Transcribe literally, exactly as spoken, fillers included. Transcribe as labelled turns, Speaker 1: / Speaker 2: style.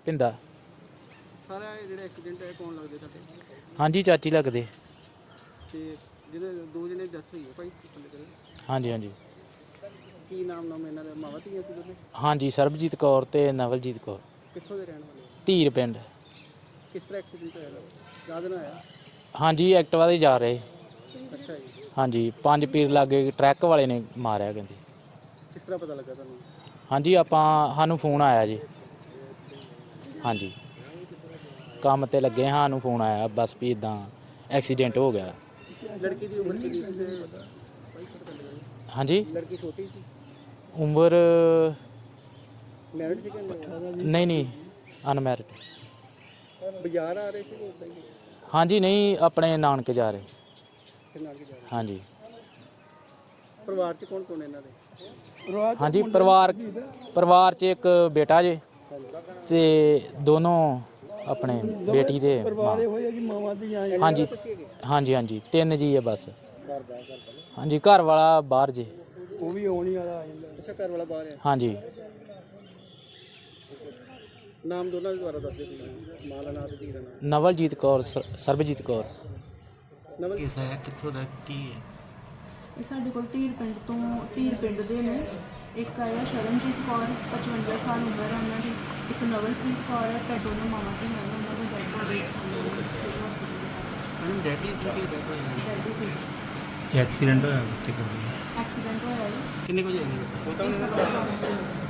Speaker 1: ਪਿੰਦਾ।
Speaker 2: ਸਾਰਾ ਇਹ ਜਿਹੜਾ ਐਕਸੀਡੈਂਟ ਹੈ ਕੌਣ ਲੱਗਦੇ ਤੁਹਾਡੇ?
Speaker 1: ਹਾਂਜੀ ਚਾਚੀ ਲੱਗਦੇ।
Speaker 2: ਤੇ ਜਿਹਦੇ ਦੋ ਜਣੇ ਡੈਥ ਹੋਈ ਹੈ ਭਾਈ ਥੱਲੇ ਕਰੇ
Speaker 1: ਹਾਂਜੀ ਹਾਂਜੀ
Speaker 2: ਕੀ ਨਾਮ ਨਾਮ ਇਹਨਾਂ ਦਾ? ਮਾਵਾ ਧੀਆਂ ਸੀ ਦੋਨੇ?
Speaker 1: ਹਾਂਜੀ ਸਰਬਜੀਤ ਕੌਰ ਤੇ ਨਵਲਜੀਤ ਕੌਰ।
Speaker 2: ਕਿੱਥੋਂ ਦੇ ਰਹਿਣ ਵਾਲੇ?
Speaker 1: ਧੀਰ ਪਿੰਡ।
Speaker 2: ਕਿਸ ਤਰ੍ਹਾਂ ਐਕਸੀਡੈਂਟ ਹੋਇਆ? ਰਾਤ ਨੂੰ ਆਇਆ?
Speaker 1: ਹਾਂਜੀ ਐਕਟਿਵਾ ਤੇ ਜਾ ਰਹੇ।
Speaker 2: ਅੱਛਾ ਜੀ।
Speaker 1: ਹਾਂਜੀ ਪੰਜ ਪੀਰ ਲਾਗੇ ਟਰੱਕ ਵਾਲੇ ਨੇ ਮਾਰਿਆ ਕਹਿੰਦੇ।
Speaker 2: ਕਿਸ ਤਰ੍ਹਾਂ ਪਤਾ ਲੱਗਾ ਤੁਹਾਨੂੰ?
Speaker 1: ਹਾਂਜੀ ਆਪਾਂ ਸਾਨੂੰ ਫੋਨ ਆਇਆ ਜੀ। ਹਾਂਜੀ ਕੰਮ ਤੇ ਲੱਗੇ ਸਾਨੂੰ ਫੋਨ ਆਇਆ ਬਸ ਵੀ ਇਦਾਂ ਐਕਸੀਡੈਂਟ ਹੋ ਗਿਆ।
Speaker 2: ਲੜਕੀ ਦੀ ਉਮਰ ਕਿੰਨੀ ਸੀ ਤੇ
Speaker 1: ਹਾਂਜੀ
Speaker 2: ਲੜਕੀ ਛੋਟੀ ਸੀ?
Speaker 1: ਉਮਰ
Speaker 2: ਮੈਰਿਡ ਸੀ ਕਿ
Speaker 1: ਨਹੀਂ ਨਹੀਂ ਅਨਮੈਰਿਡ।
Speaker 2: ਬਾਜ਼ਾਰ ਆ ਰਹੇ ਸੀ ਕਿ ਉਦਾਂ ਹੀ?
Speaker 1: ਹਾਂਜੀ ਨਹੀਂ ਆਪਣੇ ਨਾਨਕੇ ਜਾ ਰਹੇ।
Speaker 2: ਇੱਥੇ ਨਾਲ ਕੇ ਜਾ ਰਹੇ?
Speaker 1: ਹਾਂਜੀ
Speaker 2: ਪਰਿਵਾਰ 'ਚ ਕੌਣ ਕੌਣ ਇਹਨਾਂ ਦੇ?
Speaker 1: ਹਾਂਜੀ ਪਰਿਵਾਰ ਪਰਿਵਾਰ 'ਚ ਇੱਕ ਬੇਟਾ ਜੇ ਤੇ ਦੋਨੋਂ ਆਪਣੇ ਬੇਟੀ ਦੇ ਮਾਂ। ਹਾਂਜੀ ਹਾਂਜੀ ਹਾਂਜੀ ਤਿੰਨ ਜੀ ਹੈ ਬਸ। ਹਾਂਜੀ ਘਰ ਵਾਲਾ ਬਾਹਰ ਜੇ।
Speaker 2: ਉਹ ਵੀ ਆਉਣੀ ਵਾਲਾ ਆ ਜਾਂਦਾ। ਅੱਛਾ ਘਰ ਵਾਲਾ ਬਾਹਰ ਹੈ?
Speaker 1: ਹਾਂਜੀ
Speaker 2: ਨਾਮ ਦੋਨਾਂ ਦੇ ਦੁਆਰਾ ਦੱਸ ਦਿਓ ਤੁਸੀਂ। ਮਾਂ ਦਾ ਨਾਮ ਤੇ ਧੀ ਦਾ ਨਾਮ।
Speaker 1: ਨਵਲਜੀਤ ਕੌਰ ਸ- ਸਰਬਜੀਤ ਕੌਰ।
Speaker 2: ਨਵਲ
Speaker 1: ਕਿਸ ਹੈ ਕਿੱਥੋਂ ਦਾ ਕੀ ਹੈ?
Speaker 3: ਇਹ ਸਾਡੇ ਕੋਲ ਧੀਰ ਪਿੰਡ ਤੋਂ ਧੀਰ ਪਿੰਡ ਦੇ ਨੇ। ਇੱਕ ਆਇਆ ਸ਼ਰਨਜੀਤ ਕੌਰ ਪਚਵੰਜਾ ਸਾਲ ਉਮਰ ਹੈ ਉਹਨਾਂ ਦੀ। ਇੱਕ ਨਵਲਪ੍ਰੀਤ ਕੌਰ ਹੈ ਤੇ ਦੋਨੋਂ ਮਾਵਾਂ ਧੀਆਂ ਨੇ। ਉਹਨਾਂ ਦੇ ਡੈਡ ਬੋਡੀ
Speaker 2: ਡੈਡੀ ਸੀ ਕਿ ਡੈਡ ਹੋਇਆ?
Speaker 3: ਡੈਡੀ ਸੀ।
Speaker 4: ਇਹ ਐਕਸੀਡੈਂਟ ਹੋਇਆ ਉੱਥੇ ਕੋਈ?
Speaker 3: ਐਕਸੀਡੈਂਟ ਹੋਇਆ ਜੀ।
Speaker 2: ਕਿੰਨੇ ਵਜੇ ਹੋਇਆ?
Speaker 3: ਇਹ ਸਭ